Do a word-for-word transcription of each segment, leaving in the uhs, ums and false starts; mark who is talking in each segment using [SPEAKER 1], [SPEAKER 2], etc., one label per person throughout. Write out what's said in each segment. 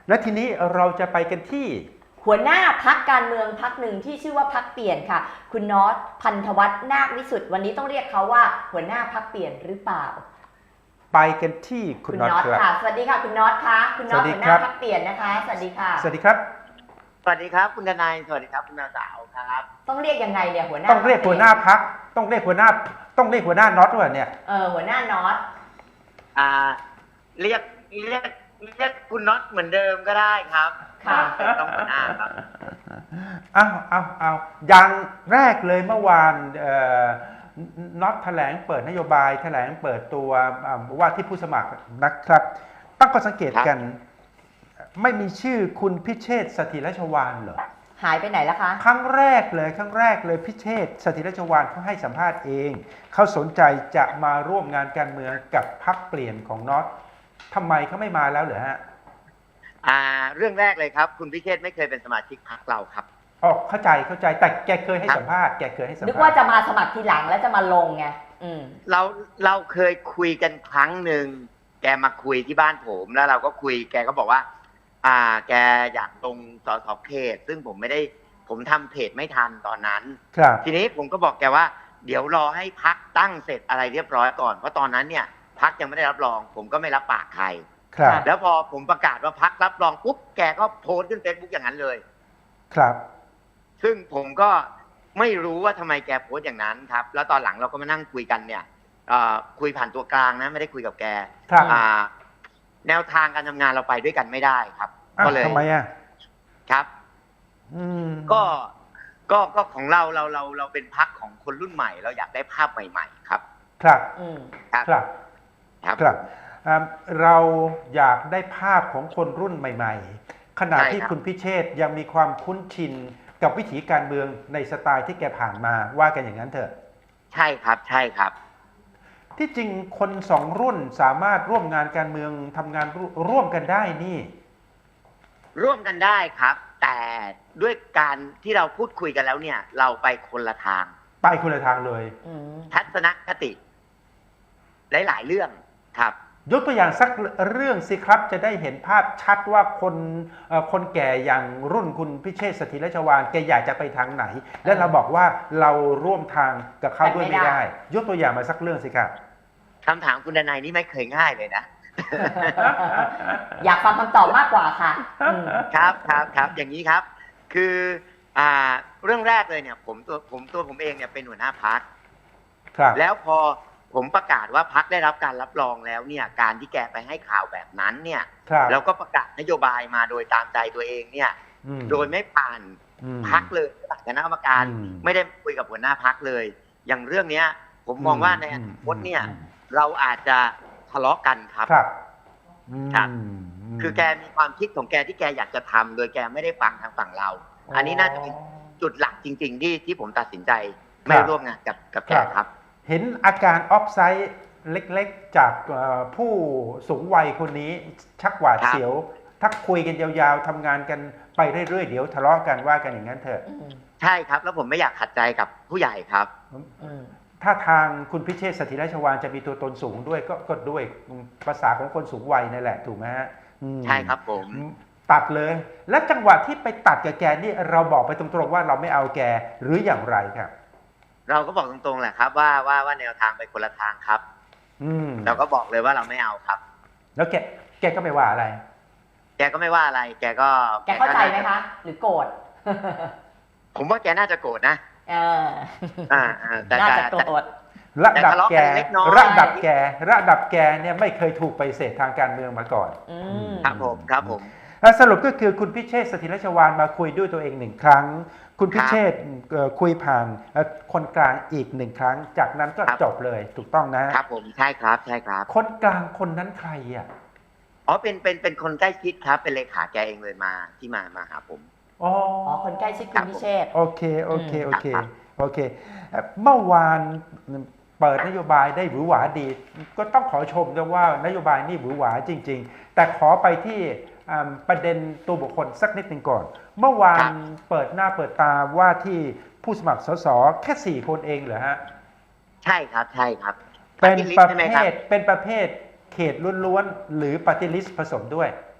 [SPEAKER 1] และทีนี้เราจะไปกันที่
[SPEAKER 2] หัวหน้าพักการเมืองพักหนึ่งที่ชื่อว่าพักเปลี่ยนค่ะคุณน็อตพันธวัฒน์นาควิสุทธิ์วันนี้ต้องเรียกเขาว่าหัวหน้าพักเปลี่ยนหรือเปล่า
[SPEAKER 1] ไปกันที่คุณน็อตครับ
[SPEAKER 2] ค่ะสวัสดีค่ะคุณน็อตคะคุณน็อตหัวหน้าพักเปลี่ยนนะคะสวัสดีค่ะ
[SPEAKER 1] สวัสดีครับ
[SPEAKER 3] สวัสดีครับคุณทนายสวัสดีครับคุณนางสาวครับ
[SPEAKER 2] ต้องเรียกยังไงเนี่ยหัวหน้า
[SPEAKER 1] ต้องเรียกหัวหน้าพักต้องเรียกหัวหน้าต้องเรียกหัวหน้าน็อตด้วยเนี่ย
[SPEAKER 2] เออหัวหน้าน็อต
[SPEAKER 3] อ่าเรียกเรียกเรียกคุณน็อตเหมือนเดิมก็ได้ครับ
[SPEAKER 2] ค่ะ
[SPEAKER 3] ต้องหัวหน้าครับ
[SPEAKER 1] เอาเอาเอาอย่างแรกเลยเมื่อวานน็อตแถลงเปิดนโยบายแถลงเปิดตัวว่าที่ผู้สมัครนะครับตั้งข้อสังเกตกันไม่มีชื่อคุณพิเชษฐ์สถิรชวาลเหรอ
[SPEAKER 2] หายไปไหนแล้วคะ
[SPEAKER 1] ครั้งแรกเลยครั้งแรกเลยพิเชษฐ์สถิรชวาลเขาให้สัมภาษณ์เองเขาสนใจจะมาร่วมงานการเมืองกับพรรคเปลี่ยนของน็อตทำไมเขาไม่มาแล้วเหรอฮะ
[SPEAKER 3] อ่าเรื่องแรกเลยครับคุณพิเชษฐ์ไม่เคยเป็นสมาชิกพรรคเราครับ
[SPEAKER 1] อ๋อเข้าใจเข้าใจแต่แกเคยให้สัมภาษณ์แกเคยให้สัมภาษณ์
[SPEAKER 2] นึกว่าจะมาสมัครทีหลังแล้วจะมาลงไงอืม
[SPEAKER 3] เราเราเคยคุยกันครั้งหนึ่งแกมาคุยที่บ้านผมแล้วเราก็คุยแกก็บอกว่าอ่าแกอยากลงสสเขตซึ่งผมไม่ได้ผมทำเพจไม่ทันตอนนั้นทีนี้ผมก็บอกแกว่าเดี๋ยวรอให้พักตั้งเสร็จอะไรเรียบร้อยก่อนเพราะตอนนั้นเนี่ยพักยังไม่ได้รับรองผมก็ไม่รับปากใครแล้วพอผมประกาศว่าพักรับรองปุ๊บแกก็โพสต์ขึ้นเฟซบุ๊กอย่างนั้นเลย
[SPEAKER 1] ครับ
[SPEAKER 3] ซึ่งผมก็ไม่รู้ว่าทำไมแกโพสต์อย่างนั้นครับแล้วตอนหลังเราก็มานั่งคุยกันเนี่ยคุยผ่านตัวกลางนะไม่ได้คุยกับแกแนวทางการทำงานเราไปด้วยกันไม่ได้ครับ
[SPEAKER 1] ก็เลยทำไมอ่ะ
[SPEAKER 3] ครับก็ก็ก็ของเราเราเราเราเป็นพรรคของคนรุ่นใหม่เราอยากได้ภาพใหม่ๆครับ
[SPEAKER 1] ครับ
[SPEAKER 3] ครับ
[SPEAKER 1] ครับครับเราอยากได้ภาพของคนรุ่นใหม่ๆขณะที่คุณพิเชษฐ์ยังมีความคุ้นชินกับวิถีการเมืองในสไตล์ที่แกผ่านมาว่ากันอย่างนั้นเถอะ
[SPEAKER 3] ใช่ครับใช่ครับ
[SPEAKER 1] ที่จริงคนสองรุ่นสามารถร่วมงานการเมืองทำงานร่วมกันได้นี่
[SPEAKER 3] ร่วมกันได้ครับแต่ด้วยการที่เราพูดคุยกันแล้วเนี่ยเราไปคนละทาง
[SPEAKER 1] ไปคนละทางเลย
[SPEAKER 3] ทัศนคติหลายๆเรื่องครับ
[SPEAKER 1] ยกตัวอย่างสักเรื่องสิครับจะได้เห็นภาพชัดว่าคนคนแก่อย่างรุ่นคุณพิเชษฐ์สถิรชวาลแกอยากจะไปทางไหนและเราบอกว่าเราร่วมทางกับเขาด้วยไม่ได้ยกตัวอย่างมาสักเรื่องสิครับ
[SPEAKER 3] คำถามคุณดนัยนี่ไม่เคยง่ายเลยนะ
[SPEAKER 2] อยากฟังคำตอบมากกว่าค่ะ
[SPEAKER 3] ครับครับครับอย่างนี้ครับคืออ่าเรื่องแรกเลยเนี่ยผมตัวผมตัวผมเองเนี่ยเป็นหัวหน้าพรรคแล้วพอผมประกาศว่าพรรคได้รับการรับรองแล้วเนี่ยการที่แกไปให้ข่าวแบบนั้นเนี่ยแล้วก็ประกาศนโยบายมาโดยตามใจตัวเองเนี่ยโดยไม่ผ่านพรรคเลยตัดคณะกรรมการไม่ได้คุยกับหัวหน้าพรรคเลยอย่างเรื่องเนี้ยผมมองว่าในอนาคตเนี่ยเราอาจจะทะเลาะกันครับครับคือแกมีความคิดของแกที่แกอยากจะทำโดยแกไม่ได้ฟังทางฝั่งเราอันนี้น่าจะเป็นจุดหลักจริงๆที่ที่ผมตัดสินใจไม่ร่วมงานกับกับแกครับ
[SPEAKER 1] เห็นอาการออฟไซด์เล็กๆจากผู้สูงวัยคนนี้ชักหวาดเสียวทักคุยกันยาวๆทำงานกันไปเรื่อยๆเดี๋ยวทะเลาะกันว่ากันอย่างนั้นเถอะ
[SPEAKER 3] ใช่ครับแล้วผมไม่อยากขัดใจกับผู้ใหญ่ครับ
[SPEAKER 1] ถ้าทางคุณพิเชษฐ์สถิรชวาลจะมีตัวตนสูงด้วยก็ก็ด้วยภาษาของคนสูงวัยนั่นแหละถูกไหมฮะ
[SPEAKER 3] ใช่ครับผม
[SPEAKER 1] ตัดเลยและจังหวะที่ไปตัดกับแกนี่เราบอกไปตรงๆว่าเราไม่เอาแกหรืออย่างไรครับ
[SPEAKER 3] เราก็บอกตรงๆแหละครับว่าว่าว่าแนวทางไปคนละทางครับ
[SPEAKER 1] อืม
[SPEAKER 3] เราก็บอกเลยว่าเราไม่เอาครับ
[SPEAKER 1] แล้วแกแกก็ไม่ว่าอะไร
[SPEAKER 3] แกก็ไม่ว่าอะไรแกก็
[SPEAKER 2] แกเข้าใจไหมคะหรือโกรธ
[SPEAKER 3] ผมว่าแกน่าจะโกรธนะ
[SPEAKER 2] เออ
[SPEAKER 3] อ่า
[SPEAKER 2] แต่น่าจะโกรธ
[SPEAKER 1] ระดับแกระดับแกระดับแกเนี่ยไม่เคยถูกปฏิเสธทางการเมืองมาก่อน
[SPEAKER 3] ครับผมครับผม
[SPEAKER 1] สรุปก็คือคุณพิเชษฐ์สถิรชวาลมาคุยด้วยตัวเองหนึ่งครั้งคุณพิเชษฐ์คุยผ่านคนกลางอีกหนึ่งครั้งจากนั้นก็จบเลยถูกต้อง
[SPEAKER 3] นะครับผมใช่ครับใช่ครับ
[SPEAKER 1] คนกลางคนนั้นใครอ่ะ
[SPEAKER 3] อ๋อเป็นเป็นเป็นคนใกล้ชิดครับเป็นเลขาแกเองเลยมาที่มามาหาผม
[SPEAKER 1] อ๋อ
[SPEAKER 2] คนใกล้ชิดคุณพิเชษฐ์
[SPEAKER 1] โอเคโอเคโอเคโอเคเมื่อวานเปิดนโยบายได้หวือหวาดีก็ต้องขอชมด้วยว่านโยบายนี่หวือหวาจริงๆแต่ขอไปที่ประเด็นตัวบุคคลสักนิดหนึ่งก่อนเมื่อวานเปิดหน้าเปิดตาว่าที่ผู้สมัครสสแค่สี่คนเองเหรอฮะ
[SPEAKER 3] ใช่ครับใช่ครับ
[SPEAKER 1] เป็นประเภทเป็นประเภทเขตล้วนๆหรือปฏิริษีผสมด้วย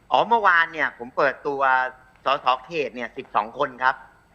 [SPEAKER 3] อ๋อเมื่อวานเนี่ยผมเปิดตัวสสเขตเนี่ยสิบสองคนครับ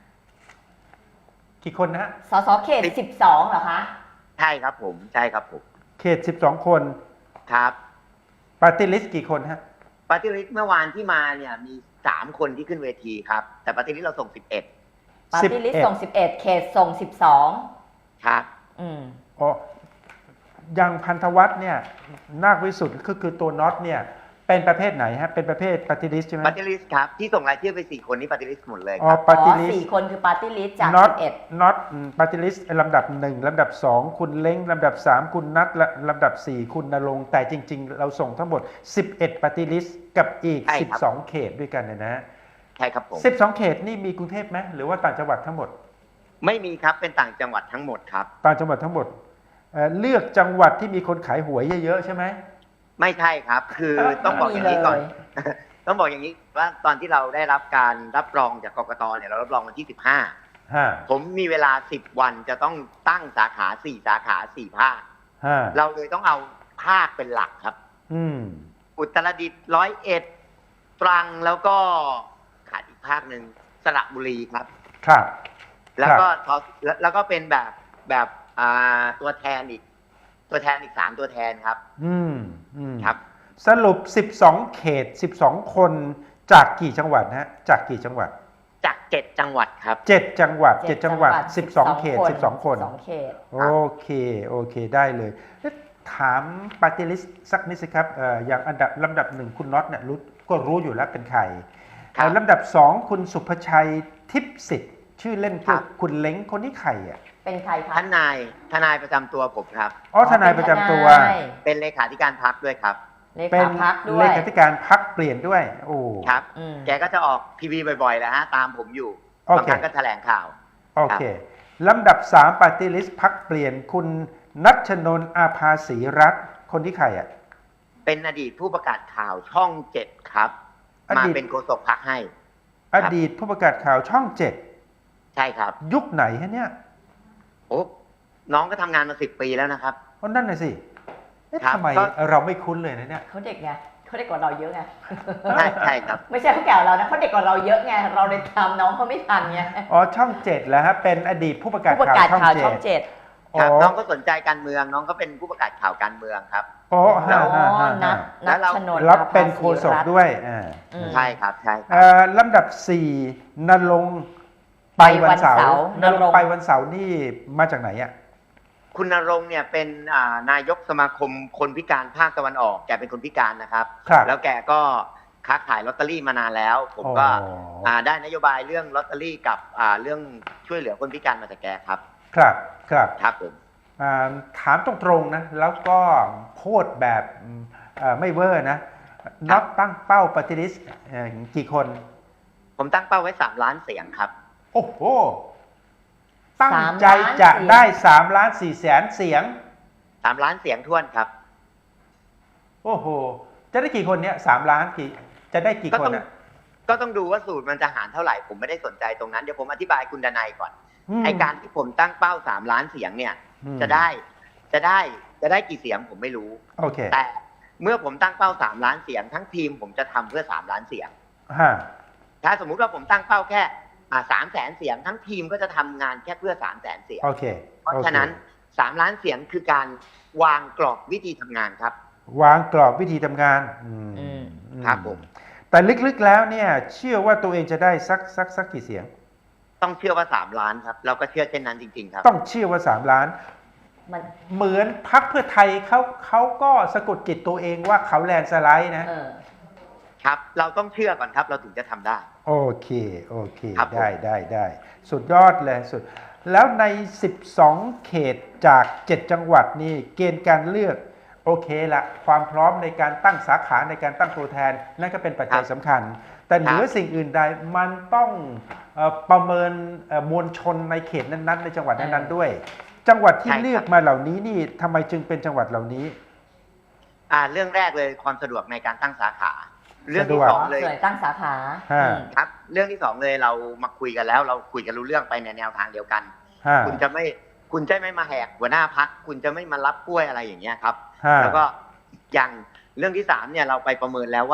[SPEAKER 1] กี่คนนะฮะ
[SPEAKER 2] สสเขตสิบสองเหรอคะ
[SPEAKER 3] ใช่ครับผมใช่ครับผม
[SPEAKER 1] เขตสิบสองคน
[SPEAKER 3] ครับ
[SPEAKER 1] ปาร์ตี้ลิสต์กี่คนฮะ
[SPEAKER 3] ปฏิริษีเมื่อวานที่มาเนี่ยมีสามคนที่ขึ้นเวทีครับแต่ปฏิริษีเราส่งสิบเอ็ด
[SPEAKER 2] ปาร์ตี้ลิสต์ส่งสิบเอ็ดเขตส่งสิบสอง
[SPEAKER 3] ครับ
[SPEAKER 2] อืม
[SPEAKER 1] อ๋อยังพันธวัฒน์เนี่ยนาควิสุทธ์คือคือตัวน็อตเนี่ยเป็นประเภทไหนฮะเป็นประเภทปาร์ตี้ลิสต์ใช่ไหม
[SPEAKER 3] ปฏิริษีครับที่ส่งรายชื่อไปสี่คนนี้ปฏิริษีหมดเลย
[SPEAKER 1] อ๋อ
[SPEAKER 3] ครับ
[SPEAKER 1] ปาร์
[SPEAKER 2] อ๋
[SPEAKER 1] ตี้
[SPEAKER 2] อ
[SPEAKER 1] ลิส
[SPEAKER 2] สี่
[SPEAKER 1] ต์
[SPEAKER 2] คนคือปาร์ตี้ลิสต์จาก
[SPEAKER 1] น็อต
[SPEAKER 2] สิบเอ็ด
[SPEAKER 1] น็อตปาร์ตี้ลิสต์ลำดับหนึ่งลำดับสองคุณเล้งลำดับสามคุณนัทและลำดับสี่คุณณรงค์แต่จริง ๆ เราส่งทั้งหมดสิบเอ็ดปาร์ตี้ลิสต์กับอีก
[SPEAKER 3] ใช่ครับ
[SPEAKER 1] สิบสองเขตด้วยกันเนยนะฮะ
[SPEAKER 3] ใช่ครับผม
[SPEAKER 1] สิบสองเขตนี่มีกรุงเทพไหมหรือว่าต่างจังหวัดทั้งหมด
[SPEAKER 3] ไม่มีครับเป็นต่างจังหวัดทั้งหมดครับ
[SPEAKER 1] ต่างจังหวัดทั้งหมดเอ่อเลือกจังหวัดที่มีคนขายหวยเยอะๆใช่ไหม
[SPEAKER 3] ไม่ใช่ครับ คือต้องบอกอย่างนี้ก่อน ต้องบอกอย่างนี้ว่าตอนที่เราได้รับการรับรองจากกกตเนี่ยเรารับรองวันที่สิบห้า
[SPEAKER 1] ฮะ
[SPEAKER 3] ผมมีเวลาสิบวันจะต้องตั้งสาขาสี่สาขาสี่ภาค
[SPEAKER 1] ฮะ
[SPEAKER 3] เราเลยต้องเอาภาคเป็นหลักครับ
[SPEAKER 1] อืม
[SPEAKER 3] อุตรดิตถ์ร้อยเอ็ดตรังแล้วก็ขาดอีกภาคหนึ่งสระบุรีครับ
[SPEAKER 1] ครับ
[SPEAKER 3] แล้วก็ทอแล้วแล้วก็เป็นแบบแบบอ่าตัวแทนอีก ตัวแทนอีกสามตัวแทนครับ
[SPEAKER 1] อืมอืม
[SPEAKER 3] ครับ
[SPEAKER 1] สรุปสิบสองเขตสิบสองคนจากกี่จังหวัดฮะจากกี่จังหวัด
[SPEAKER 3] จากเจ็ดจังหวัดครับ
[SPEAKER 1] เจ็ดจังหวัดเจ็ด
[SPEAKER 2] เจ็ด
[SPEAKER 1] จังหวัด
[SPEAKER 2] จังหวัด
[SPEAKER 1] สิบสองเขตสิบสองคน
[SPEAKER 2] สองเขต
[SPEAKER 1] โอเคโอเคได้เลยแล้วถามปาร์ตี้ลิสต์สักนิดสิครับเอ่ออย่างอันดับลำดับหนึ่งคุณน็อตเนี่ยรู้ก็รู้อยู่แล้วเป็นใคร
[SPEAKER 3] ครับ
[SPEAKER 1] เอ่อลำดับสองคุณสุภชัยทิพย์สิทธิ์ชื่อเล่น
[SPEAKER 3] ครั
[SPEAKER 1] คือบ คุณเล้งคนนี้ใครอ่ะ
[SPEAKER 2] เป็นใครคะ
[SPEAKER 3] ทนายทนายประจำตัวผมครับ
[SPEAKER 1] อ๋อทนายประจำตัว
[SPEAKER 2] เป็นทนาย
[SPEAKER 3] เป็นเลขาธิการพรรคด้วยครับ
[SPEAKER 2] เล
[SPEAKER 1] เป็
[SPEAKER 2] ขาน พักด้ว
[SPEAKER 1] เลย ขาธิการพักเปลี่ยนด้วยโอ้
[SPEAKER 3] ครับ
[SPEAKER 2] อืม
[SPEAKER 3] แกก็จะออกทีวีบ่อยๆแล้วฮะตามผมอยู่
[SPEAKER 1] โอบ
[SPEAKER 3] าง
[SPEAKER 1] เค
[SPEAKER 3] ครั้งก็แถลงข่าว
[SPEAKER 1] โอเคลำดับสามปาร์ตี้ลิสต์พักเปลี่ยนคุณนัชนนท์อาภาสีรัตน์คนที่ใครอ่ะ
[SPEAKER 3] เป็นอดีตผู้ประกาศข่าวช่องเจ็ดครับ
[SPEAKER 1] อ
[SPEAKER 3] มา
[SPEAKER 1] ดีต
[SPEAKER 3] เป็นโฆษกพรรคให้
[SPEAKER 1] อดีตผู้ประกาศข่าวช่องเจ็ด
[SPEAKER 3] ใช่ครับ
[SPEAKER 1] ยุคไหนฮะเนี่ย
[SPEAKER 3] โอ้น้องก็ทำงานมาสิบปีแล้วนะครับ
[SPEAKER 1] เพราะนั่นน่ะสิเอ๊ะ
[SPEAKER 3] ครับ
[SPEAKER 1] ทำไม
[SPEAKER 3] ก็
[SPEAKER 1] เราไม่คุ้นเลยนะเนี่ย
[SPEAKER 2] เขาเด็กไงเขาเด็กกว่าเราเยอะไง
[SPEAKER 3] ใช่ใช่ครับ
[SPEAKER 2] ไม่ใช่เขาแก่กว่าเรานะเขาเด็กกว่าเราเยอะไงเราเลยตามน้องเขาไม่ทันไง
[SPEAKER 1] อ๋อช่องเจ็ดแล้วฮะเป็นอดีตผู้ประกาศ
[SPEAKER 2] ผู้ประ
[SPEAKER 1] ข่าว
[SPEAKER 2] กาศ
[SPEAKER 1] ช่อง
[SPEAKER 2] ข่าว
[SPEAKER 1] เจ็
[SPEAKER 2] ช่อ
[SPEAKER 1] ด
[SPEAKER 2] งเจ็ด
[SPEAKER 1] อ๋
[SPEAKER 3] ครับ
[SPEAKER 1] อ
[SPEAKER 3] น้องก็สนใจการเมืองน้องก็เป็นผู้ประกาศข่าวการเมืองครับ
[SPEAKER 1] อ๋อ
[SPEAKER 2] อ๋
[SPEAKER 1] ฮะฮะ
[SPEAKER 2] อ
[SPEAKER 1] ฮะ
[SPEAKER 2] นั
[SPEAKER 1] ฮะ
[SPEAKER 2] ท
[SPEAKER 3] แล้
[SPEAKER 2] นั
[SPEAKER 3] วเรา
[SPEAKER 2] ชนนท์
[SPEAKER 1] รับเป็น
[SPEAKER 2] อาภา
[SPEAKER 1] โฆ
[SPEAKER 2] ษี
[SPEAKER 1] ษก
[SPEAKER 2] รัตน์
[SPEAKER 1] ด้วยอ่า
[SPEAKER 2] อืม
[SPEAKER 3] ใช่ครับใช่ครับ
[SPEAKER 1] เอ่อลำดับสี่นรงค์ไปวันเสาร์นรงค์ไปวันเสาร์นี่มาจากไหนอ่ะ
[SPEAKER 3] คุณณรงค์เนี่ยเป็นอ่านายกสมาคมคนพิการภาคตะวันออกแกเป็นคนพิการนะครับ
[SPEAKER 1] ครับ
[SPEAKER 3] แล้วแกก็ค้าขายลอตเตอรี่มานานแล้ว ผมก็
[SPEAKER 1] อ๋อ
[SPEAKER 3] อ่าได้นโยบายเรื่องลอตเตอรี่กับอ่าเรื่องช่วยเหลือคนพิการมาจากแกครับ
[SPEAKER 1] ครับครับ
[SPEAKER 3] ครับผม
[SPEAKER 1] อ่าถามตรงๆนะแล้วก็พูดแบบอืมเอ่อไม่เวอร์นะน็อตตั้งเป้าปฏิริษีกี่คน
[SPEAKER 3] ผมตั้งเป้าไว้สามล้านเสียงครับ
[SPEAKER 1] โอ้โห ตั้ง
[SPEAKER 2] สาม
[SPEAKER 1] ใจ
[SPEAKER 2] ล้าน
[SPEAKER 1] จะ
[SPEAKER 2] เสียง
[SPEAKER 1] ได้สามล้านสี่แสนเสียง
[SPEAKER 3] สามล้านเสียงท้วนครับ
[SPEAKER 1] โอ้โห จะได้กี่คนเนี่ยสามล้านกี่จะได้กี่
[SPEAKER 3] ก็
[SPEAKER 1] ค
[SPEAKER 3] ต้
[SPEAKER 1] น
[SPEAKER 3] อง
[SPEAKER 1] อ่ะ
[SPEAKER 3] ก็ต้องดูว่าสูตรมันจะหารเท่าไหร่ผมไม่ได้สนใจตรงนั้นเดี๋ยวผมอธิบายคุณดนัยก่อน
[SPEAKER 1] ม
[SPEAKER 3] ไอการที่ผมตั้งเป้าสามล้านเสียงเนี่ย
[SPEAKER 1] อืม
[SPEAKER 3] จะได้จะได้จะได้กี่เสียงผมไม่รู้
[SPEAKER 1] โอเค
[SPEAKER 3] แต่เมื่อผมตั้งเป้าสามล้านเสียงทั้งทีมผมจะทำเพื่อสามล้านเสียง
[SPEAKER 1] ฮะ
[SPEAKER 3] ถ้าสมมุติว่าผมตั้งเป้าแค่อ่าสามแสนเสียงทั้งทีมก็จะทำงานแค่เพื่อสามแสนเสียง
[SPEAKER 1] โอเค
[SPEAKER 3] เพราะ
[SPEAKER 1] โอค
[SPEAKER 3] ฉะนั้นสามล้านเสียงคือการวางกรอบวิธีทำงานครับ
[SPEAKER 1] วางกรอบวิธีทำงานอืม
[SPEAKER 2] อืม
[SPEAKER 1] อื
[SPEAKER 3] ครับผม
[SPEAKER 1] แต่ลึกๆแล้วเนี่ย เชื่อว่าตัวเองจะได้สักสักสักกี่เสียง
[SPEAKER 3] ต้องเชื่อว่าสามล้านครับ เราก็เชื่อเช่นนั้นจริง ๆ ครับ
[SPEAKER 1] ต้องเชื่อว่าสามล้าน
[SPEAKER 2] มัน
[SPEAKER 1] เหมือนพักเพื่อไทยเขาเขาก็สะกดจิตตัวเองว่าเขาแลนด์สไลด์นะ
[SPEAKER 2] เออ
[SPEAKER 3] ครับ เราต้องเชื่อก่อนครับ เราถึงจะทำได้
[SPEAKER 1] โอเค โอเค
[SPEAKER 3] ครับผม
[SPEAKER 1] ได้ได้ได้สุดยอดเลยสุด แล้วใน สิบสอง เขตจาก เจ็ด จังหวัดนี่เกณฑ์การเลือก โอเคละความพร้อมในการตั้งสาขาในการตั้งตัวแทน นั่นก็เป็นปัจจัยสำคัญ แต่เหนือสิ่งอื่นใดมันต้องเอ่อประเมินเอ่อมวลชนในเขตนั้นๆ ในจังหวัดนั้นๆด้วย จังหวัดที่
[SPEAKER 3] ใช่ครับ
[SPEAKER 1] เลือกมาเหล่านี้นี่ทำไมจึงเป็นจังหวัดเหล่านี้
[SPEAKER 3] อ่าเรื่องแรกเลยความสะดวกในการตั้งสาขา เรื่องที่
[SPEAKER 1] สะดวก
[SPEAKER 3] สองเลย
[SPEAKER 2] ส่วนตั้งสาขา
[SPEAKER 1] ฮะ
[SPEAKER 2] อืม
[SPEAKER 3] ครับ เรื่องที่สองเลยเรามาคุยกันแล้ว เราคุยกันรู้เรื่องไปในแนวทางเดียวกัน
[SPEAKER 1] ฮะ
[SPEAKER 3] คุณจะไม่คุณจะไม่มาแหกหัวหน้าพักคุณจะไม่มารับกล้วยอะไรอย่างเงี้ยครับ
[SPEAKER 1] ฮะ
[SPEAKER 3] แล้วก็อย่างเรื่องที่สามเนี่ยเราไปประเมินแล้วว่า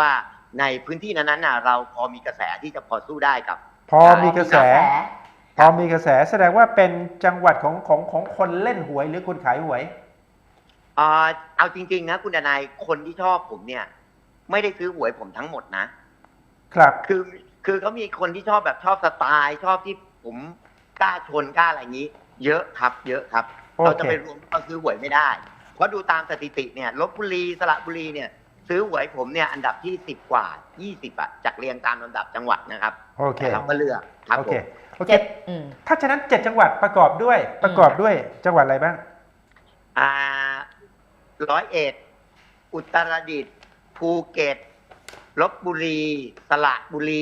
[SPEAKER 3] ในพื้นที่นั้นๆน่ะเราพอมีกระแสที่จะพอสู้ได้กับ
[SPEAKER 1] พอมีกระแส พอมีกระแสแสดงว่าเป็นจังหวัดของของของคนเล่นหวยหรือคนขายหวย
[SPEAKER 3] อ่าเอาจริงๆนะคุณดนายคนที่ชอบผมเนี่ย ไม่ได้ซื้อหวยผมทั้งหมดนะครับ คือคือเขามีคนที่ชอบแบบชอบสไตล์ ชอบที่ผมกล้าชนกล้าอะไรอย่างนี้ เยอะครับเยอะครับ
[SPEAKER 1] โอเค
[SPEAKER 3] เราจะไปรวมเขาซื้อหวยไม่ได้ เพราะดูตามสถิติเนี่ยลบบุรีสระบุรีเนี่ย ซื้อหวยผมเนี่ยอันดับที่สิบกว่ายี่สิบอะจากเรียงตามลำดับจังหวัดนะครับ
[SPEAKER 1] โอเค
[SPEAKER 3] แต่เราก็เลือกครับ
[SPEAKER 1] โอ
[SPEAKER 3] ผ
[SPEAKER 1] เค
[SPEAKER 3] ม
[SPEAKER 1] โอเค
[SPEAKER 2] เจ็ดอืม
[SPEAKER 1] ถ้าฉะนั้นเจ็ดจังหวัดประกอบด้วยประกอบด้วยจังหวัดอะไรบ้าง
[SPEAKER 3] อ่าร้อยเอ็ดอุตรดิตถ์ภูเก็ตลบบุรีสระบุรี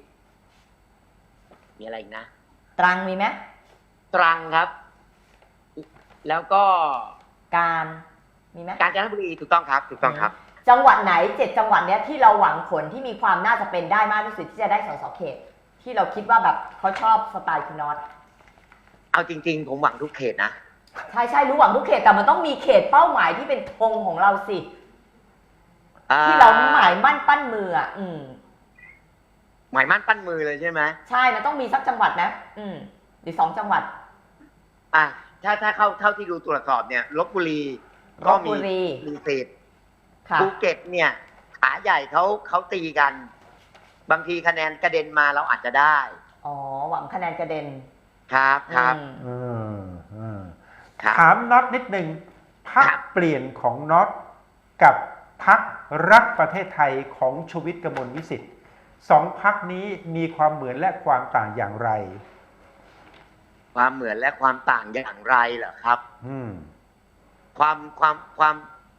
[SPEAKER 3] มีอะไรอีกนะ
[SPEAKER 2] ตรังมีไหม
[SPEAKER 3] ตรังครับ แล้วก็
[SPEAKER 2] การมีไหม
[SPEAKER 3] กาญจนบุรีถูกต้องครับ ถูกต้องครับ
[SPEAKER 2] จังหวัดไหนเจ็ดจังหวัดเนี้ยที่เราหวังผลที่มีความน่าจะเป็นได้มากที่สุดที่จะได้สสเขต ที่เราคิดว่าแบบเขาชอบสไตล์คุณน็อต
[SPEAKER 3] เอาจริง ๆ ผมหวังทุกเขตนะ
[SPEAKER 2] ใช่ใช่รู้หวังทุกเขตแต่มันต้องมีเขตเป้าหมายที่เป็นธงของเราสิ
[SPEAKER 3] อ่
[SPEAKER 2] ที่เราหมายมั่นปั้นมืออ่ะอืม
[SPEAKER 3] หมายมั่นปั้นมือเลยใช่ไหม
[SPEAKER 2] ใช่มันต้องมีสักจังหวัดนะอืมหรือสองจังหวัด
[SPEAKER 3] อ่ะถ้าถ้าเข้าเท่าที่ดูตรวจสอบเนี่ยลบบุรี
[SPEAKER 2] ล
[SPEAKER 3] ก็
[SPEAKER 2] พบุ
[SPEAKER 3] มี
[SPEAKER 2] รี
[SPEAKER 3] มีสิทธิ์
[SPEAKER 2] ค่ะ
[SPEAKER 3] ภูเก็ตเนี่ย ขาใหญ่เขาเขาตีกัน บางทีคะแนนกระเด็นมาเราอาจจะได้
[SPEAKER 2] อ๋อหวังคะแนนกระเด็น
[SPEAKER 3] ครับครับ
[SPEAKER 2] อืม
[SPEAKER 1] เออเออ
[SPEAKER 3] ครับ
[SPEAKER 1] ถามน็อตนิดหนึ่งพัก
[SPEAKER 3] ครับ
[SPEAKER 1] เปลี่ยนของน็อตกับพักรักประเทศไทยของชูวิทย์กมลวิสิทธิ์สองพักนี้มีความเหมือนและความต่างอย่างไร
[SPEAKER 3] ความเหมือนและความต่างอย่างไรเหรอครับ
[SPEAKER 1] อืม
[SPEAKER 3] ความความความ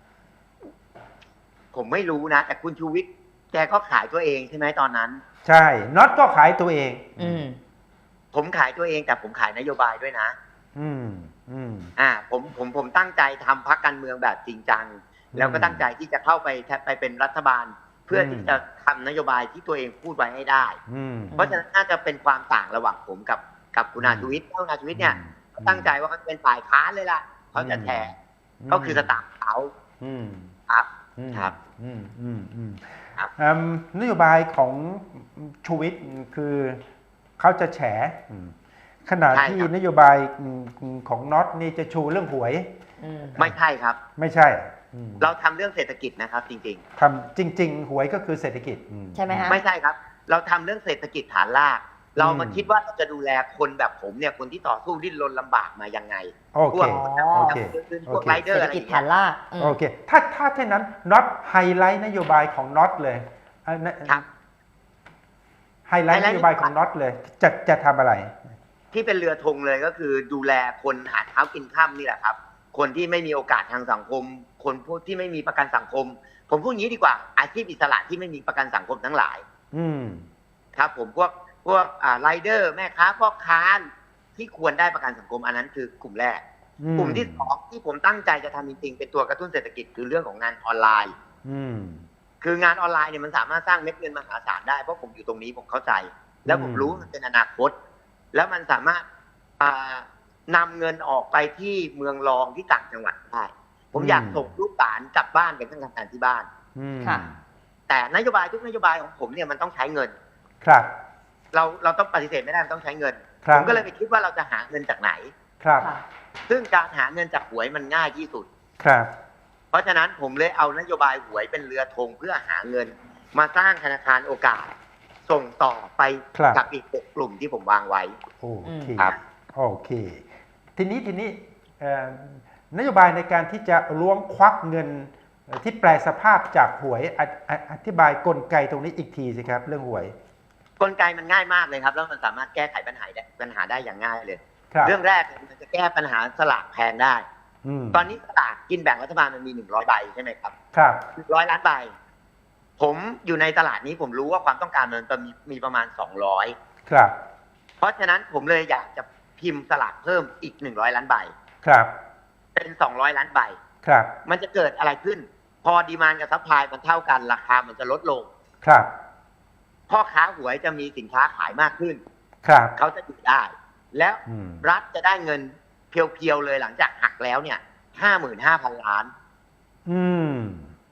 [SPEAKER 3] ผมไม่รู้นะ แต่คุณชูวิทย์แกก็ขายตัวเองใช่ไหมตอนนั้น
[SPEAKER 1] ใช่น็อตก็ขายตัวเอง
[SPEAKER 2] อืม
[SPEAKER 3] ผมขายตัวเองแต่ผมขายนโยบายด้วยนะ
[SPEAKER 1] อืมอืม
[SPEAKER 3] อ่า ผมผมผมตั้งใจทำพรรคการเมืองแบบจริงจัง
[SPEAKER 1] อืม
[SPEAKER 3] แล้วก็ตั้งใจที่จะเข้าไปไปเป็นรัฐบาล เพื่ออ
[SPEAKER 1] ม
[SPEAKER 3] ที่จะทำนโยบายที่ตัวเองพูดไว้ให้ได้
[SPEAKER 1] อืม
[SPEAKER 3] เพราะฉะนั้นน่าจะเป็นความต่างระหว่างผมกับกับคุณอาชูวิทย์คุณอาชูวิทย์เนี่ยเขาตั้งใจว่าเขาจะเป็นฝ่ายค้านเลยล่ะเขาจะแทนก็คือสตางค์เขา
[SPEAKER 1] อืม
[SPEAKER 3] ครับ
[SPEAKER 1] อืม
[SPEAKER 3] ครับ
[SPEAKER 1] อืมอืมอืม
[SPEAKER 3] ครับ
[SPEAKER 1] อืมนโยบายของชูวิทย์คือเขาจะแฉอืมขณะที่นโยบายของน็อตนี่จะชูเรื่องหวย
[SPEAKER 2] อืม
[SPEAKER 3] ไม่ใช่ครับ
[SPEAKER 1] ไม่ใช่อืม
[SPEAKER 3] เราทำเรื่องเศรษฐกิจนะครับ จริง
[SPEAKER 1] ทำจริง ๆ หวยก็คือเศรษฐกิจอื
[SPEAKER 2] ใช่ไหมฮะ
[SPEAKER 3] ๆ ไม่ใช่ครับ เราทำเรื่องเศรษฐกิจฐานราก เรามาคิดว่าเราจะดูแลคนแบบผมเนี่ยคนที่ต่อสู้ดิ้นรนลำบากมายังไง
[SPEAKER 1] โอ
[SPEAKER 3] พ
[SPEAKER 1] เคว
[SPEAKER 3] ก
[SPEAKER 1] โอเค
[SPEAKER 3] พวก
[SPEAKER 1] โอเค
[SPEAKER 3] ไรเดอ
[SPEAKER 2] เศร
[SPEAKER 3] ร์
[SPEAKER 2] ษฐ
[SPEAKER 3] อะไรอ
[SPEAKER 2] กิจ
[SPEAKER 3] ย่าง
[SPEAKER 2] ฐา
[SPEAKER 3] เงี้
[SPEAKER 2] น
[SPEAKER 3] ย
[SPEAKER 2] รากอืม
[SPEAKER 1] โอเคถ้าถ้าเช่นนั้นน็อตไฮไลท์นโยบายของน็อตเลยเอ่อนะครับ ไฮไลท์นโยบายของน็อตเลย จะจะทำอะไร
[SPEAKER 3] ที่เป็นเรือธงเลยก็คือดูแลคนหาเช้ากินค่ำนี่แหละครับ คนที่ไม่มีโอกาสทางสังคม คนพวกที่ไม่มีประกันสังคม ผมพูดอย่างนี้ดีกว่า อาชีพอิสระที่ไม่มีประกันสังคมทั้งหลาย
[SPEAKER 1] อืม
[SPEAKER 3] ครับ ผมพวกพวกอ่าไรเดอร์แม่ค้าพ่อค้าที่ควรได้ประกันสังคมอันนั้นคือกลุ่มแรก
[SPEAKER 1] อืม
[SPEAKER 3] กลุ่มที่สองที่ผมตั้งใจจะทำจริงๆเป็นตัวกระตุ้นเศรษฐกิจคือเรื่องของงานออนไลน์
[SPEAKER 1] อืม
[SPEAKER 3] คืองานออนไลน์เนี่ยมันสามารถสร้างเม็ดเงินมหาศาลได้เพราะผมอยู่ตรงนี้ผมเข้าใจ แล้วผม
[SPEAKER 1] อืม
[SPEAKER 3] รู้มันเป็นอนาคต แล้วมันสามารถอ่านำเงินออกไปที่เมืองรองที่ต่างจังหวัดได้ผมอยากส่งลูกหลานกลับบ้านกันทั้งทำงานที่บ้าน
[SPEAKER 1] อืม
[SPEAKER 2] ค่ะ
[SPEAKER 3] แต่นโยบายทุกนโยบายของผมเนี่ยมันต้องใช้เงิน
[SPEAKER 1] ครับ
[SPEAKER 3] เราเราต้องปฏิเสธไม่ได้มันต้องใช้เงิน
[SPEAKER 1] ครับ
[SPEAKER 3] ผมก็เลยไปคิดว่าเราจะหาเงินจากไหน
[SPEAKER 1] ครับ
[SPEAKER 2] ค่ะ
[SPEAKER 3] ซึ่งการหาเงินจากหวยมันง่ายที่สุด
[SPEAKER 1] ครับ
[SPEAKER 3] เพราะฉะนั้นผมเลยเอานโยบายหวยเป็นเรือธงเพื่อหาเงิน มาสร้างธนาคารโอกาส ส่งต่อไป
[SPEAKER 1] ครับ
[SPEAKER 3] กับอีกหกกลุ่มที่ผมวางไว้
[SPEAKER 1] โอเค
[SPEAKER 3] ครับ
[SPEAKER 1] โอเค ทีนี้ทีนี้เอ่อนโยบายในการที่จะล้วงควักเงินเอ่อที่แปลสภาพจากหวยอออธิบายกลไกตรงนี้อีกทีสิครับ เรื่องหวย
[SPEAKER 3] กลไกมันง่ายมากเลยครับ แล้วมันสามารถแก้ไขปัญหาได้ปัญหาได้อย่างง่ายเลย
[SPEAKER 1] ครับ
[SPEAKER 3] เรื่องแรกมันจะแก้ปัญหาสลากแพงได้
[SPEAKER 1] อืม
[SPEAKER 3] ตอนนี้สลากกินแบ่งรัฐบาลมันมีหนึ่งร้อยใบใช่ไหมครับ
[SPEAKER 1] ครับ
[SPEAKER 3] หนึ่งร้อยล้านใบ ผมอยู่ในตลาดนี้ผมรู้ว่าความต้องการมันมีมีประมาณสองร้อย
[SPEAKER 1] ครับ
[SPEAKER 3] เพราะฉะนั้นผมเลยอยากจะพิมพ์สลากเพิ่มอีกหนึ่งร้อยล้านใบ
[SPEAKER 1] ครับ
[SPEAKER 3] เป็นสองร้อยล้านใบ
[SPEAKER 1] ครับ
[SPEAKER 3] มันจะเกิดอะไรขึ้น พอดีมานด์กับซัพพลายมันเท่ากันราคามันจะลดลง
[SPEAKER 1] ครับ
[SPEAKER 3] พ่อค้าหวยจะมีสินค้าขายมากขึ้น
[SPEAKER 1] ครับ
[SPEAKER 3] เขาจะอยู่ได้ แล้ว
[SPEAKER 1] อืม
[SPEAKER 3] รัฐจะได้เงินเพียวๆเลยหลังจากหักแล้วเนี่ยห้าหมื่นห้าพันล้าน
[SPEAKER 1] อืม
[SPEAKER 3] อ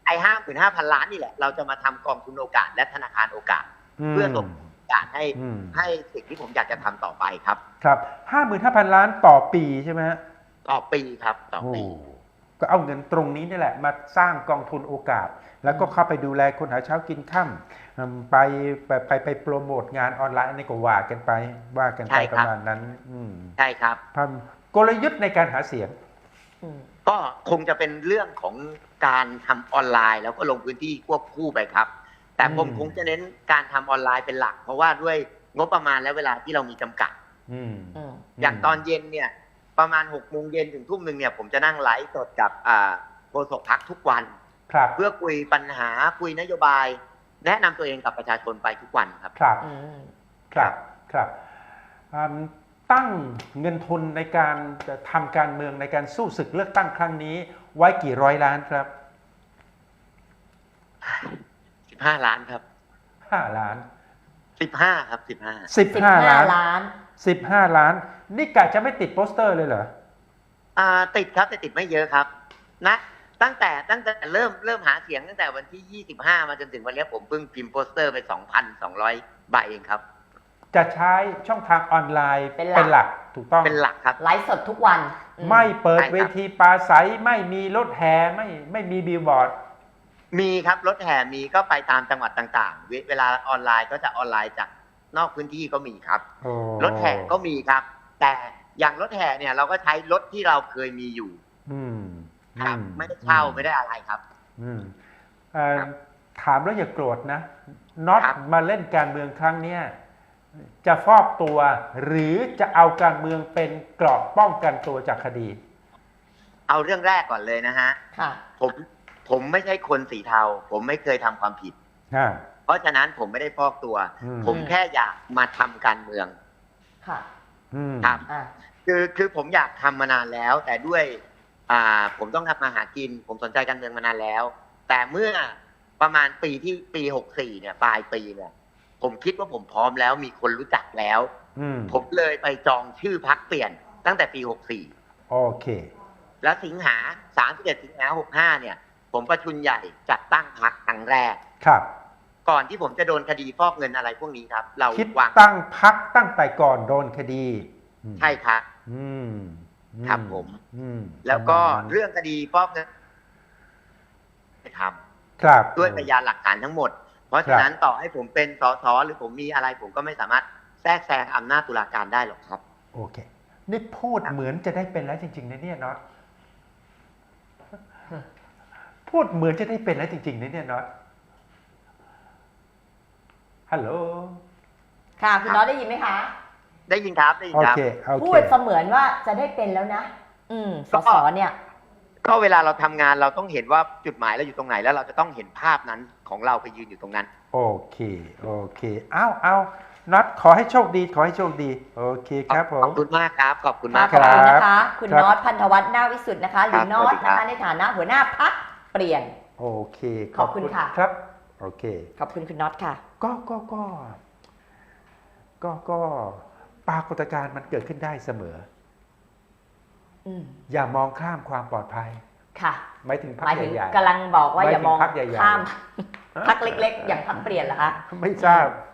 [SPEAKER 3] ไอ้ห้าหมื่นห้าพันล้านนี่แหละเราจะมาทำกองทุนโอกาสและธนาคารโอกาส เพื่อส่งโอกาสให้
[SPEAKER 1] อืม
[SPEAKER 3] ให้สิ่งที่ผมอยากจะทำต่อไปครับ
[SPEAKER 1] ครับห้าหมื่นห้าพันล้านต่อปีใช่ไหมฮะ
[SPEAKER 3] ต่อปีครับต่อ
[SPEAKER 1] โอ้
[SPEAKER 3] ปี
[SPEAKER 1] ก็เอาเงินตรงนี้นี่แหละมาสร้างกองทุนโอกาส แล้วก็เข้าไปดูแลคนหาเช้ากินค่ำอืมไปไปไปไปโปรโมทงานออนไลน์นี่ก็ว่ากันไปว่ากันไปประมาณนั้นอืม
[SPEAKER 3] ใช่ครับ
[SPEAKER 1] ทำกลยุทธ์ในการหาเสียง
[SPEAKER 2] อืม
[SPEAKER 3] ก็คงจะเป็นเรื่องของการทำออนไลน์ แล้วก็ลงพื้นที่ควบคู่ไปครับ แต่ผม
[SPEAKER 1] อืม
[SPEAKER 3] คงจะเน้นการทำออนไลน์เป็นหลัก เพราะว่าด้วยงบประมาณและเวลาที่เรามีจำกัด
[SPEAKER 1] อืม
[SPEAKER 2] อืม
[SPEAKER 3] อย่างตอนเย็นเนี่ยประมาณหกโมงเย็นถึงทุ่มหนึ่งเนี่ยผมจะนั่งไลฟ์สดกับอ่าโฆษกพรรคทุกวัน
[SPEAKER 1] ครับ
[SPEAKER 3] เพื่อคุยปัญหาคุยนโยบาย แนะนำตัวเองกับประชาชนไปทุกวันครับ
[SPEAKER 1] ครับ
[SPEAKER 2] อืม
[SPEAKER 1] ครับครับอืมตั้งเงินทุนในการจะทำการเมืองในการสู้ศึกเลือกตั้งครั้งนี้ ไว้กี่ร้อยล้านครับ
[SPEAKER 3] สิบห้าล้านครับ
[SPEAKER 1] ห้าล้าน
[SPEAKER 3] สิบห้าครับสิบห้า
[SPEAKER 1] สิบ
[SPEAKER 2] สิบ
[SPEAKER 1] ห้า
[SPEAKER 2] ห้า
[SPEAKER 1] ล้าน
[SPEAKER 2] ล้าน
[SPEAKER 1] สิบห้าล้าน นี่กะจะไม่ติดโปสเตอร์เลยเหรอ
[SPEAKER 3] อ่าติดครับแต่ติดไม่เยอะครับนะตั้งแต่ตั้งแต่เริ่มเริ่มหาเสียงตั้งแต่วันที่ยี่สิบห้ามาจนถึงวันนี้ผมเพิ่งพิมพ์โปสเตอร์ไป สองพันสองร้อย ใบเองครับ
[SPEAKER 1] จะใช้ช่องทางออนไลน์
[SPEAKER 2] เป็นหลัก
[SPEAKER 1] หลักถูกต้อง
[SPEAKER 3] เป็นหลักครับ
[SPEAKER 2] ไลฟ์สดทุกวันอื
[SPEAKER 1] ไม่เปิด
[SPEAKER 3] ใช่ครับ
[SPEAKER 1] เวทีปราศัยไม่มีรถแห่ไม่ไม่มีบิลบอร์ด
[SPEAKER 3] มีครับรถแห่มีก็ไปตามจังหวัดต่างๆ เวเวลาออนไลน์ก็จะออนไลน์จากนอกพื้นที่ก็มีครับ
[SPEAKER 1] โอ้
[SPEAKER 3] รถแห่ก็มีครับ แต่อย่างรถแห่เนี่ยเราก็ใช้รถที่เราเคยมีอยู่
[SPEAKER 1] อืม
[SPEAKER 3] ครับ
[SPEAKER 1] อื
[SPEAKER 3] ไม่ได้เช่าไม่ได้อะไรครับ
[SPEAKER 1] อืมเอ่อ
[SPEAKER 3] ครับ
[SPEAKER 1] ถามแล้วอย่าโกรธนะน็อต
[SPEAKER 3] ครับ
[SPEAKER 1] มาเล่นการเมืองครั้งเนี้ยจะฟอกตัว หรือจะเอาการเมืองเป็นเกราะป้องกันตัวจากคดี
[SPEAKER 3] เอาเรื่องแรกก่อนเลยนะฮะ
[SPEAKER 2] ค่ะ
[SPEAKER 3] ผมผมไม่ใช่คนสีเทา ผมไม่เคยทำความผิด
[SPEAKER 1] อ่า
[SPEAKER 3] เพราะฉะนั้นผมไม่ได้ฟอกตัว
[SPEAKER 1] อืม
[SPEAKER 3] ผมแค่อยากมาทำการเมือง
[SPEAKER 2] ค่ะ
[SPEAKER 1] อืม
[SPEAKER 3] ครับ
[SPEAKER 2] อ่า
[SPEAKER 3] คือคือผมอยากทำมานานแล้ว แต่ด้วยอ่าผมต้องทำมาหากิน ผมสนใจการเมืองมานานแล้ว แต่เมื่อประมาณปีที่ปีหกสี่เนี่ยปลายปีเนี่ยผมคิดว่าผมพร้อมแล้วมีคนรู้จักแล้ว
[SPEAKER 1] อืม
[SPEAKER 3] ผมเลยไปจองชื่อพักเปลี่ยนตั้งแต่ปีหกสี่
[SPEAKER 1] โอเค
[SPEAKER 3] แล้วสิงหาสามสิบเอ็ดสิงหาหกห้าเนี่ย ผมประชุมใหญ่จัดตั้งพักครั้งแรก
[SPEAKER 1] ครับ
[SPEAKER 3] ก่อนที่ผมจะโดนคดีฟอกเงินอะไรพวกนี้ครับ เรา
[SPEAKER 1] คิด
[SPEAKER 3] วาง
[SPEAKER 1] ตั้งพักตั้งแต่ก่อนโดนคดีอืม
[SPEAKER 3] ใช่ครับ
[SPEAKER 1] อืมอื
[SPEAKER 3] ครับผม
[SPEAKER 1] อืม
[SPEAKER 3] แล้วก็
[SPEAKER 1] ประมาณนั้น
[SPEAKER 3] เรื่องคดีฟอกเงินไปท
[SPEAKER 1] ครับ
[SPEAKER 3] ำด้วยพยานหลักฐานทั้งหมด เพราะฉะนั้นต่อให้ผมเป็นสสหรือผมมีอะไร ผมก็ไม่สามารถแทรกแซงอำนาจตุลาการได้หรอกครับ
[SPEAKER 1] โอเค นี่พูดเหมือนจะได้เป็นแล้วจริงๆนะเนี่ยน็อตพูดเหมือนจะได้เป็นแล้วจริงๆนะเนี่ยน็อตฮัลโหล
[SPEAKER 2] ค่ะ คุณน้อยได้ยินไหมคะ
[SPEAKER 3] ได้ยินครับได้ยิน
[SPEAKER 1] โอ
[SPEAKER 3] ครับ
[SPEAKER 1] เคโอ
[SPEAKER 2] พู
[SPEAKER 1] เค
[SPEAKER 2] ดเสมือนว่าจะได้เป็นแล้วนะ อืมส
[SPEAKER 3] ก็
[SPEAKER 2] สเนี่ย
[SPEAKER 3] ก็เวลาเราทำงานเราต้องเห็นว่าจุดหมายเราอยู่ตรงไหน แล้วเราจะต้องเห็นภาพนั้นของเราไปยืนอยู่ตรงนั้น
[SPEAKER 1] โอเคโอเคเอาเอาน็อตขอให้โชคดีขอให้โชคดีโอเคครับผ
[SPEAKER 3] ข
[SPEAKER 1] ม
[SPEAKER 3] อบคุณมากครับ ขอบคุณ
[SPEAKER 2] ค่ะ
[SPEAKER 3] มาก
[SPEAKER 2] ขอบ
[SPEAKER 3] ครับ
[SPEAKER 2] คุณนะคะ คุณ
[SPEAKER 1] ครับ
[SPEAKER 2] น็อตพันธวัฒน์นาควิสุทธ์นะคะ หรือ
[SPEAKER 3] ครับ
[SPEAKER 2] น็อต
[SPEAKER 3] สวัสดีครั
[SPEAKER 2] นะคะ
[SPEAKER 3] บ
[SPEAKER 2] ในฐานะหัวหน้าพักเปลี่ยน
[SPEAKER 1] โอเค
[SPEAKER 2] ขอบคุณค่ะ
[SPEAKER 1] ครับโอเค
[SPEAKER 2] ขอบคุณคุณน็อตค่ะ
[SPEAKER 1] ก็ก็ก็ก็ก็ปรากฏการณ์มันเกิดขึ้นได้เสมอ
[SPEAKER 2] อืม
[SPEAKER 1] อย่ามองข้ามความปลอดภัย
[SPEAKER 2] ค่ะ
[SPEAKER 1] ไม่ถึงพร
[SPEAKER 2] ห
[SPEAKER 1] ร
[SPEAKER 2] มาย
[SPEAKER 1] ค
[SPEAKER 2] ถึง
[SPEAKER 1] ใหญ่
[SPEAKER 2] กำลังบอกว่า
[SPEAKER 1] ไม่
[SPEAKER 2] อย่ามอง
[SPEAKER 1] ถึงพรรคใหญ่ๆ
[SPEAKER 2] ข้ามพักเล็กๆ อย่างพักเปลี่ยนเหรอคะ
[SPEAKER 1] ๆไม่ทราบ